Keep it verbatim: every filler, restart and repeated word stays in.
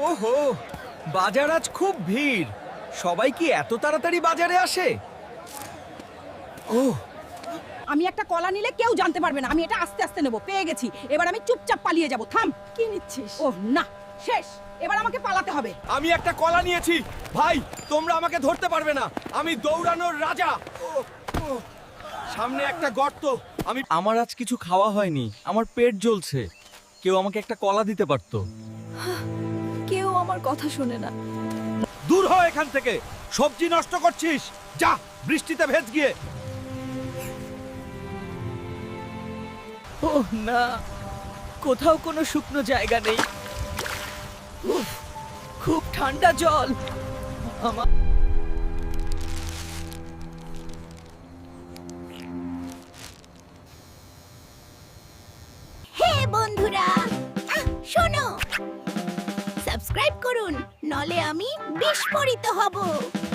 ওহো, বাজার আজ খুব ভিড়। সবাই কি এত তাড়াতাড়ি বাজারে আসে? ওহ, আমি একটা কলা নিলে কেউ জানতে পারবে না। আমি এটা আস্তে আস্তে নেব। পেয়ে গেছি। এবার আমি চুপচাপ পালিয়ে যাব। থাম। কি নিচ্ছিস? ওহ না, শেষ। এবার আমাকে পালাতে হবে। আমি একটা কলা নিয়েছি। ভাই, তোমরা আমাকে ধরতে পারবে না। আমি দৌড়ানোর রাজা। ওহ, ওহ, সামনে একটা গর্ত। আমি আমার আজ কিছু খাওয়া হয়নি। আমার পেট জ্বলছে। কেউ আমাকে একটা কলা দিতে পারতো। কেউ আমার কথা শোনে না। দূর হ এখান থেকে। সবজি নষ্ট করছিস। যা, বৃষ্টিতে ভেজ গিয়ে। ওহ না, কোথাও কোনো শুকনো জায়গা নেই। উফ, খুব ঠান্ডা জল। আমার হে বন্ধুরা, আহ, শোনো, সাবস্ক্রাইব করুন, নলে আমি বিস্ফোরিত হব।